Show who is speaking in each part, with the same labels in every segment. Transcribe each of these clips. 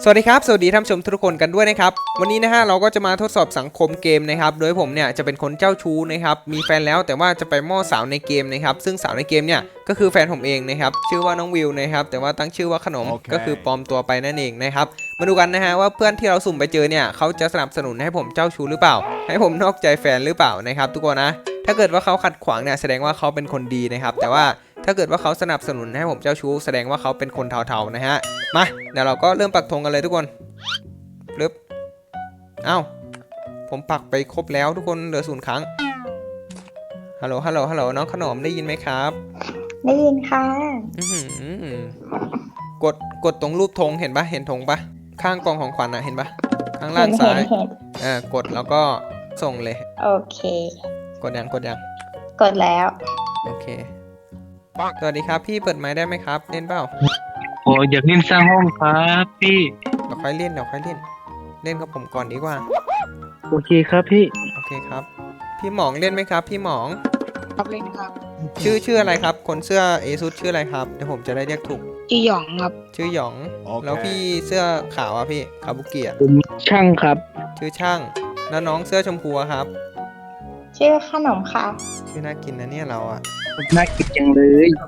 Speaker 1: สวัสดีครับสวัสดีท่านผู้ชมทุกคนกันด้วยนะครับวันนี้นะฮะเราก็จะมาทดสอบสังคมเกมนะครับโดยผมเนี่ยจะเป็นคนเจ้าชู้นะครับมีแฟนแล้วแต่ว่าจะไปม่อสาวในเกมนะครับซึ่งสาวในเกมเนี่ยก็คือแฟนผมเองนะครับชื่อว่าน้องวิวนะครับแต่ว่าตั้งชื่อว่าขนม ก็คือปลอมตัวไปนั่นเองนะครับมาดูกันนะฮะว่าเพื่อนที่เราสุ่มไปเจอเนี่ยเขาจะสนับสนุนให้ผมเจ้าชู้หรือเปล่าให้ผมนอกใจแฟนหรือเปล่านะครับทุกคนนะถ้าเกิดว่าเขาขัดขวางเนี่ยแสดงว่าเขาเป็นคนดีนะครับแต่ว่าถ้าเกิดว่าเขาสนับสนุนให้ผมเจ้าชู้แสดงว่าเขาเป็นคนเทาๆนะฮะมาเดี๋ยวเราก็เริ่มปักธงกันเลยทุกคนปึ๊บเอ้าผมปักไปครบแล้วทุกคนเหลือ0 ครั้งฮัลโหลน้องขนมได้ยินไหมครับ
Speaker 2: ได้ยินค่ะ
Speaker 1: กดตรงรูปธงเห็นปะเห็นธงปะข้างกล่องของขวัญอะเห็นปะข้างล่างซ้ายกดแล้วก็ส่งเลย
Speaker 2: โอเค
Speaker 1: กดยัง
Speaker 2: กดแล้ว
Speaker 1: โอเคสวัสดีครับพี่เปิดไมค์ได้ไหมครับเล่นเปล่า
Speaker 3: โอ้อยากเล่นสร้างห้องครับพี่
Speaker 1: เดี๋ยวค่อยเล่นเล่นกับผมก่อนดีกว่า
Speaker 3: โอเคครับพี่
Speaker 1: โอเคครับพี่หมองเล่นไหมครับพี่หมอง
Speaker 4: ครับเล่นครับ
Speaker 1: ชื่ออะไรครับคนเสื้อเอซุดชื่ออะไรครับเดี๋ยวผมจะได้เรียกถูก
Speaker 4: ชื่อหยองครับ
Speaker 1: ชื่อหยองแล้วพี่เสื้อขาวอ่ะพี่คาบุกิอ่ะ
Speaker 3: ผมช่างครับ
Speaker 1: ชื่อช่างแล้วน้องเสื้อชมพูครับ
Speaker 2: ชื่อขนมค่ะ
Speaker 1: ชื่อน่ากินนะเนี่ยเราอ่ะ
Speaker 3: น่ากินจังเลย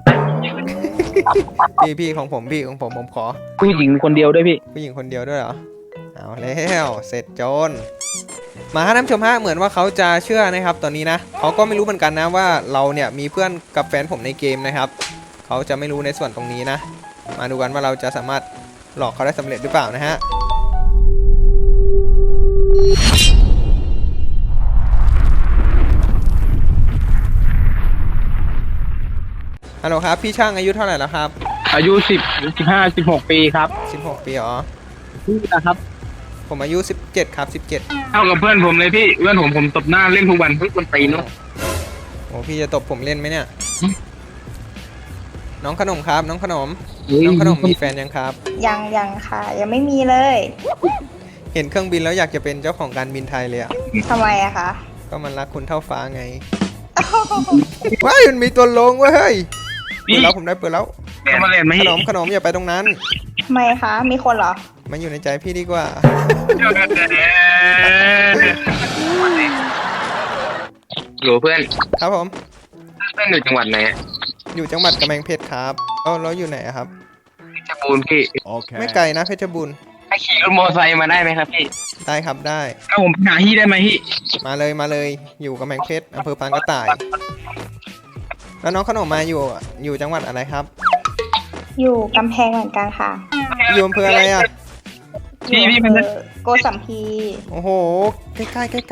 Speaker 1: พี่ของผมขอ
Speaker 3: ผู้หญิงคนเดียวด้วยพี่
Speaker 1: ผู้หญิงคนเดียวด้วยเหรอเอาแล้วเสร็จโจนมาท่านผู้ชมฮะเหมือนว่าเขาจะเชื่อนะครับตอนนี้นะเขาก็ไม่รู้เหมือนกันนะว่าเราเนี่ยมีเพื่อนกับแฟนผมในเกมนะครับเขาจะไม่รู้ในส่วนตรงนี้นะมาดูกันว่าเราจะสามารถหลอกเขาได้สำเร็จหรือเปล่านะฮะฮัลโหลครับพี่ช่างอายุเท่าไหร่แล้วครับ
Speaker 3: อายุ16 ปีครับ
Speaker 1: 16 ปีเหรอ
Speaker 3: พี่นะครับ
Speaker 1: ผมอายุ17ครับ17
Speaker 3: เท่ากับเพื่อนผมเลยพี่เพื่อนผมตบหน้าเล่นทุกวันทุกตีนเนาะ
Speaker 1: โอ้พี่จะตบผมเล่นไหมเนี่ยน้องขนมครับน้องขนมมีแฟนยังครับ
Speaker 2: ยังค่ะยังไม่มีเลย
Speaker 1: เห็นเครื่องบินแล้วอยากจะเป็นเจ้าของการบินไทยเลยอะ
Speaker 2: ทำไมอะคะ
Speaker 1: ก็มันรักคุณเท่าฟ้าไงว้ายมันมีตัวลงเว้ยเปิดแล้วผมได้เปิดแล้วขนมอย่าไปตรงนั้น
Speaker 2: ทำไมคะมีคนเหรอ
Speaker 1: มาอยู่ในใจพี่ดีกว่า
Speaker 3: อยู่เพื่อน
Speaker 1: ครับผม
Speaker 3: เพื่อนอยู่จังหวัดไหน
Speaker 1: อยู่จังหวัดกำแพงเพชรครับแล้วอยู่ไหนครับ
Speaker 3: เพชรบูรณ์พี่
Speaker 1: ไม่ไกลนะเพชรบูรณ์
Speaker 3: ให้ขี่รถมอเตอร์ไซค์มาได้ไหมครับพี่
Speaker 1: ได้ครับได้
Speaker 3: ถ้าผมหาที่ได้ไหมพี่
Speaker 1: มาเลยอยู่กำแพงเพชรอำเภอปางกระต่ายแล้วน้องขนมมาอยู่จังหวัดอะไรครับ
Speaker 2: อยู่กำแพงเหมือนกันค่ะ
Speaker 1: อยู่อำเภออะไรอ่ะ
Speaker 3: พี่มัน
Speaker 2: โกสัมพี
Speaker 1: โอ้โหใกล้
Speaker 3: พี่ไป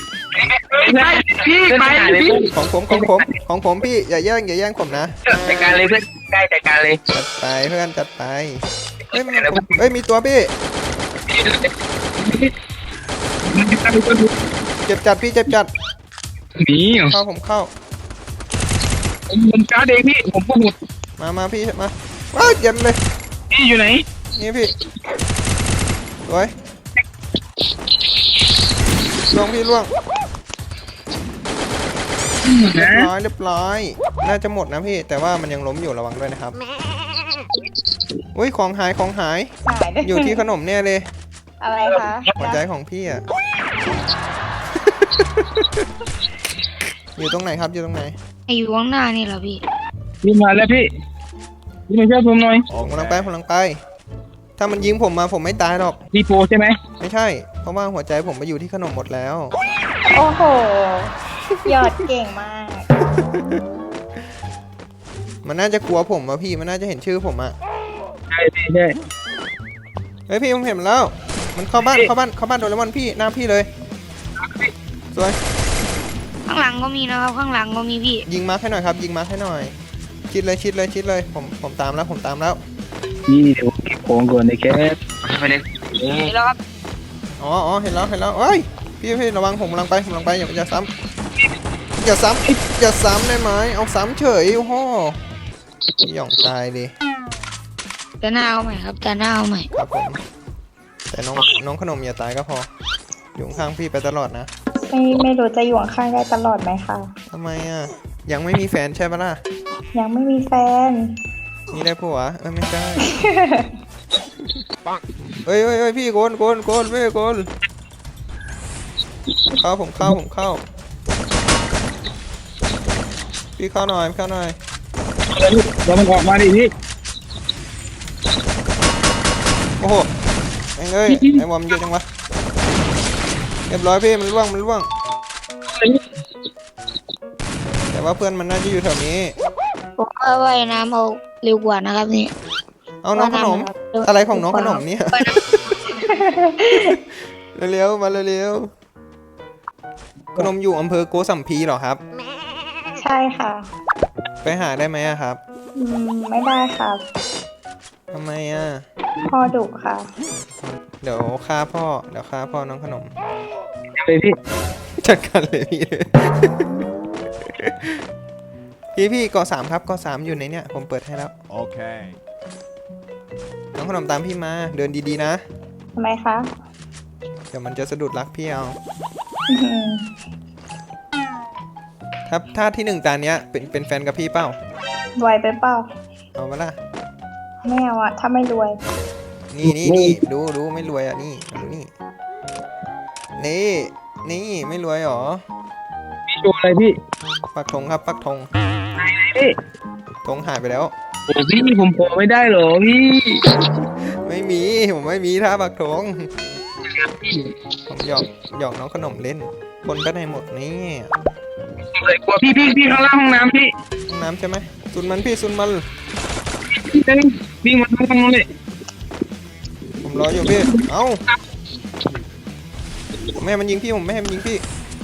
Speaker 1: ของผมพี่อย่าแย่งผมนะ
Speaker 3: จัดการเลยเพื่อนใกล้จัดการเลย
Speaker 1: จัดไปเพื่อนจัดไปเฮ้ยมีตัวพี่เจ็บจัดพี่เจ็บจัด
Speaker 3: นี่
Speaker 1: ผมเข้า
Speaker 3: ผมจ้าเด็กพี่ผมพูด
Speaker 1: มาพี่มาว้าวเย็นเลย
Speaker 3: พี่อยู่ไหน
Speaker 1: นี่พี่สวยล่วงพี่ล่วงเรียบร้อยน่าจะหมดนะพี่แต่ว่ามันยังล้มอยู่ระวังด้วยนะครับอุ้ยของหายอยู่ที่ขนมเนี่ยเลย
Speaker 2: อะไรคะ
Speaker 1: หัวใจของพี่อ่ะอยู่ตรงไหนครับอยู่ตรงไหน
Speaker 4: อยู่ข้างหน้านี่เหรอพี่
Speaker 3: มาแล้วพี่มาช่วยผมหน่อย
Speaker 1: ผมกำลังไปถ้ามันยิงผมมาผมไม่ตายหรอก
Speaker 3: พี่โปใช่ไหม
Speaker 1: ไม่ใช่เพราะว่าหัวใจผมไปอยู่ที่ขนมหมดแล้ว
Speaker 2: โอ้โหยอดเก่งมาก
Speaker 1: มันน่าจะกลัวผมอะพี่มันน่าจะเห็นชื่อผมอะ
Speaker 3: ใช่
Speaker 1: เฮ้ยพี่ผมเห็นแล้วมันเข้าบ้านโดเรมอนพี่หน้าพี่เลยสวย
Speaker 4: ข้างหลังก็มีนะครับข้างหลังก็มีพี่
Speaker 1: ยิงมาร์คให้หน่อยครับยิงมาร์คให้หน่อยชิดเลยผมตามแล้ว
Speaker 3: นี่เดี๋ยวโค้งก่อนเลยแคทไปเลย
Speaker 4: แล้วครับ
Speaker 1: อ๋อเห็นแล้วเฮ้ยพี่ระวังผมกำลังไปอย่าซ้ำได้ไหมเอาซ้ำเฉยโอ้โหหย่องตายดิ
Speaker 4: จะหน้าเอาใหม่ครับจะหน้าเอาใหม่
Speaker 1: ครับผมแต่น้องขนมอย่าตายก็พออยู่ข้างพี่ไปตลอดนะ
Speaker 2: ไม่รู้จะอยู่ข้างได้ตลอดไหมคะ
Speaker 1: ทำไมอ่ะยังไม่มีแฟนใช่ปะล่ะ
Speaker 2: ยังไม่มีแฟน
Speaker 1: นี่ได้ผัวไม่ใช่เฮ้ยพี่โกนพี่โกนผมเข้าพี่เข้าหน่อย
Speaker 3: แล้วมันออกมาดิพี่
Speaker 1: โอ้โหเอ้ยไอ้บอมเยอะจังวะเรียบร้อยพี่มันล่วงแต่ว่าเพื่อนมันน่าจะอยู่แถวนี้
Speaker 4: ผมว่าว่ายน้ำเอาเร็วกว่านะครับนี่
Speaker 1: เอาน้องขนมอะไรของน้องขนมเนี่ยเร็วๆมาเร็วๆขนมอยู่อำเภอโกสัมพีเหรอครับ
Speaker 2: ใช่ค่ะ
Speaker 1: ไปหาได้ไหมอะครับ
Speaker 2: ไม่ได้ครับ
Speaker 1: ทำไมอะ
Speaker 2: พ่อดุค่ะ
Speaker 1: เดี๋ยวฆ่าพ่อน้องขนม
Speaker 3: เลยพี่
Speaker 1: จัดการเลยพี่เกาะสามครับเกาะสามอยู่ในเนี่ยผมเปิดให้แล้ว
Speaker 5: Okay.
Speaker 1: น้องขนมตามพี่มาเดินดีๆนะ
Speaker 2: ทำไมคะ
Speaker 1: เดี๋ยวมันจะสะดุดรักพี่เอา
Speaker 2: อื้อหือ
Speaker 1: ถ้าที่หนึ่งตาเนี้ยเป็นแฟนกับพี่เปล่าร
Speaker 2: วยไปเปล่า
Speaker 1: เอามาล่ะ
Speaker 2: ไม่เอาอะถ้าไม่รวย
Speaker 1: นี่ดูไม่รวยอ่ะนี่ดูนี่ไม่รวยหรอ
Speaker 3: พี่ดูอะไรพี่
Speaker 1: ปักธงครับปักธง
Speaker 3: พี่
Speaker 1: ธงหายไปแล้ว
Speaker 3: โอ้พี่ผมโผล่ไม่ได้เหรอพี่
Speaker 1: ไม่มีผมไม่มีท่าปักธงผมหยอกน้องขนมเล่นคนไปไหนหมดนี่
Speaker 3: เลยกลัวพี่ข้างล่างห้องน้ำพี่
Speaker 1: ห้องน้ำใช่ไหมซุนมันพี่ซุนมัน
Speaker 3: พี่เต้นวิ่งมาทางนู้นเลย
Speaker 1: ผมรออยู่พี่เอ้าผมไม่ให้มันยิงพี่ผมไม่ให้มันยิงพี่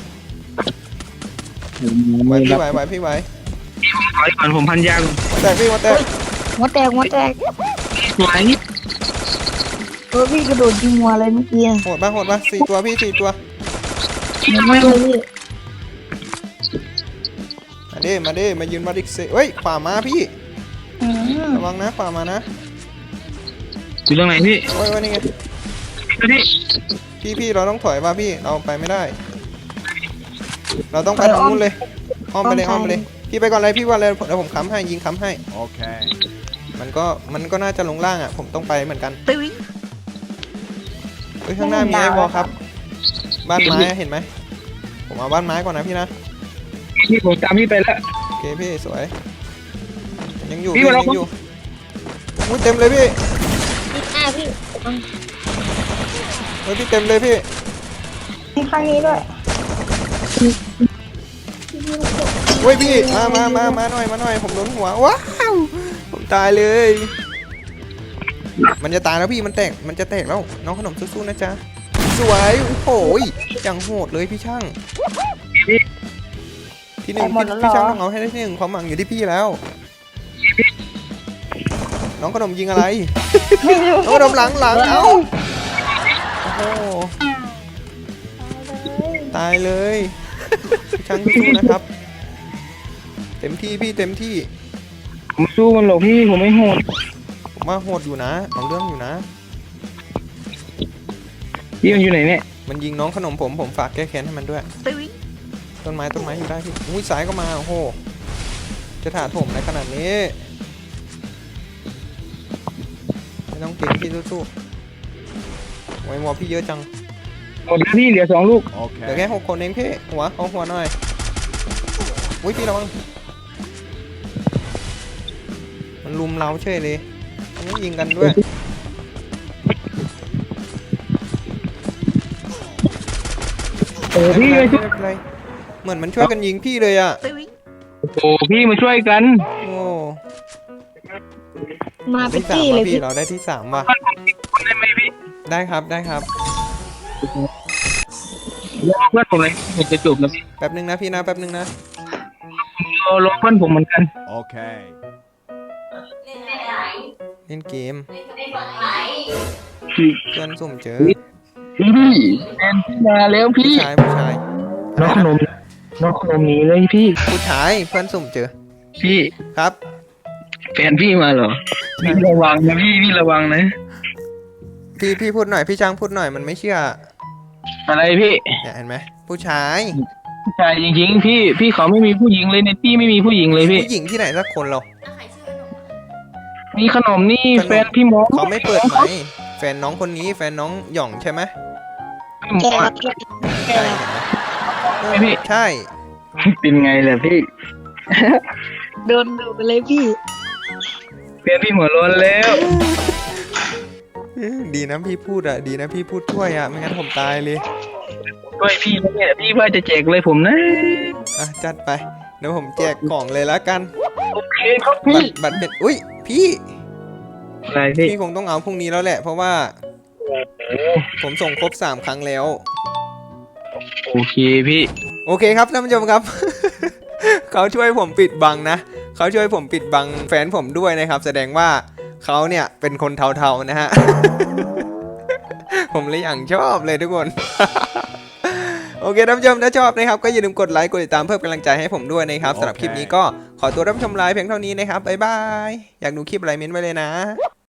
Speaker 1: ไหวพี่ไหว
Speaker 3: ถอยก่อนผมพันยาก่อน
Speaker 1: มาแตกพี่มาแตก
Speaker 4: หัวแตก
Speaker 3: ไหว
Speaker 4: พี่กระโดดยิงหัวเลยเมื่อกี้
Speaker 1: โหดปะ4 ตัวพี่4 ตัว
Speaker 4: ไม่เลยพี่
Speaker 1: มาดิมายืนมาดิเซเฮ้ยขวามาพี่
Speaker 2: อืม
Speaker 1: ระวังนะขวามานะ
Speaker 3: อยู่ตรงไหนพี่
Speaker 1: โอ้ยนี่ไง
Speaker 3: พี่
Speaker 1: พี่เราต้องถอยมาพี่เราไปไม่ได้ เราต้องไปทางนู้นเลยอ้อมไปเลยพี่ไปก่อนเลยพี่ว่าเลยเดี๋ยวผมค้ำให้ยิงค้ำให้
Speaker 5: Okay.
Speaker 1: มันก็น่าจะลงล่างอ่ะผมต้องไปเหมือนกันเฮ้ยข้างหน้ามีไอ้วอลครับ บ้านไม้เห็นไหมผมเอาบ้านไม้ก่อนนะพี่นะ
Speaker 3: พี่ผมตามพี่ไปแล้ว
Speaker 1: โอเคพี่สวยยังอยู่
Speaker 3: พี่
Speaker 1: พี่
Speaker 3: มาแล้
Speaker 1: ยั
Speaker 3: ว
Speaker 1: งอยู่อุ้ยเต็มเลยพี่
Speaker 4: หน้าพี่
Speaker 1: เฮ้ยพี่เต็มเลยพี่
Speaker 2: มีข้างนี้ด้วย
Speaker 1: เฮ้ยพี่มาหน่อยผมโดนหัวว้าวผมตายเลย มันจะตายแล้วพี่มันจะแตกแล้วน้องขนมสู้ๆนะจ๊ะสวยโอ้โหอย่างโหดเลยพี่ช่างที่หนึ่งพี่ช่างต้องเอาให้ได้ที่หนึ่งความหวังอยู่ที่พี่แล้ว น้องขนมยิงอะไร น้องขนมหลังเอ้าโอ้โหตายเลยพี่ช่างสู้ๆนะครับเต็มที่พี่เต็มที่
Speaker 3: ผมสู้มันหรอกพี่ผมไม่โหด
Speaker 1: ผมว่าโหดอยู่นะเอาเรื่องอยู่นะ
Speaker 3: พี่มันอยู่ไหนเนี่ย
Speaker 1: มันยิงน้องขนมผมฝากแก้แค้นให้มันด้วยต้นไม้อยู่ได้พี่อุ้ยสายก็มาโอ้โหจะถาโถมในขนาดนี้ไม่ต้องเก่งพี่สู้ๆไว้วอพี่เยอะจัง
Speaker 3: หมดแล้วพี่เหลือ2 ลูก
Speaker 1: เหลือแค่6 คนเองพี่หัวหน่อยอุ้ยพี่ระวังมันลุมเราเฉยเลยมันไม่ยิงกันด้วย
Speaker 3: โอ้พี่มาช่วย
Speaker 1: ไม่เป็นไรเหมือนมันช่วยกันยิงพี่เลยอ่ะ
Speaker 3: โอ้พี่มาช่วยกัน
Speaker 1: โอ้
Speaker 4: มาไป
Speaker 1: ที่
Speaker 4: จี้
Speaker 1: 3
Speaker 4: เล
Speaker 1: ว่ะ
Speaker 4: ย
Speaker 1: พี่
Speaker 4: พี่
Speaker 1: เราได้ที่ 3ว่ะ
Speaker 3: ได้ไหมพี่
Speaker 1: ได้ครับ
Speaker 3: รอเพื่อนผมเลยผมจะจบแล้วพี่
Speaker 1: แป๊บนึงนะพี่นะแป๊บนึงนะ
Speaker 3: รอเพื่อนผมเหมือนกัน
Speaker 5: Okay.
Speaker 1: เล่นเกม
Speaker 3: พี่
Speaker 1: เพื่อนสุ่มเจอ
Speaker 3: แฟนพี่มาแล้วพี่
Speaker 1: ผู้ชาย
Speaker 3: น้องขนมหนีเลยพี่
Speaker 1: ผู้ชายเพื่อนสุ่มเจอ
Speaker 3: พี่
Speaker 1: ครับ
Speaker 3: แฟนพี่มาเหรอพี่ระวังนะพี่ระวังนะ
Speaker 1: พี่พูดหน่อยพี่จ้างพูดหน่อยมันไม่เชื่อ
Speaker 3: อะไรพี่
Speaker 1: เนี่ยเห็นไหมผู้ชาย
Speaker 3: ผู้ชายจริงๆพี่เขาไม่มีผู้หญิงเลยในที่ไม่มีผู้หญิงเลยพี่
Speaker 1: ผู้หญิงที่ไหนสักคนเรา
Speaker 3: มีขนมนี่
Speaker 1: ขนม
Speaker 3: แฟนพี่มอส
Speaker 1: เขาไม่เปิดไหมแฟนน้องคนนี้แฟนน้องหย่องใช่ไหม
Speaker 2: ใช่ครับพี่ใช่ครับ
Speaker 3: ไม่พี่
Speaker 1: ใช่
Speaker 3: เป็นไงล่ะพี่
Speaker 4: โดนดูไปเลยพี่
Speaker 3: เพื่อนพี่หัวร้อนแล้ว
Speaker 1: ดีนะพี่พูดอะดีนะพี่พูดช่วยอะไม่งั้นผมตายเลย
Speaker 3: ด้วยพี่เนี่ยพี่ว่าจะแจกเลยผมนะ
Speaker 1: อ่ะจัดไปเดี๋ยวผมแจกกล่องเลยละกัน
Speaker 3: โอเคครับ
Speaker 1: บั
Speaker 3: พี่
Speaker 1: ตรบัตรเป็นอุ้ยพี่
Speaker 3: อะไรพี่
Speaker 1: พี่คงต้องเอาพรุ่งนี้แล้วแหละ เพราะว่าผมส่งครบ3 ครั้งแล้ว
Speaker 3: โอเคพี่
Speaker 1: โอเคครับท่านผู้ชมครับ เขาช่วยผมปิดบังนะเขาช่วยผมปิดบังแฟนผมด้วยนะครับ แสดงว่าเขาเนี่ยเป็นคนเทาๆนะฮ ะ ผมเลยอย่างชอบเลยทุกคน โอเคท่านผู้ชมถ้าชอบนะครับก็อย่าลืมกดไลค์กดติดตามเพื่อเป็นกำลังใจให้ผมด้วยนะครับสำหรับคลิปนี้ก็ขอตัวรับชมไลฟ์เพียงเท่านี้นะครับบ๊ายบายอยากดูคลิปอะไรเม้นไว้เลยนะ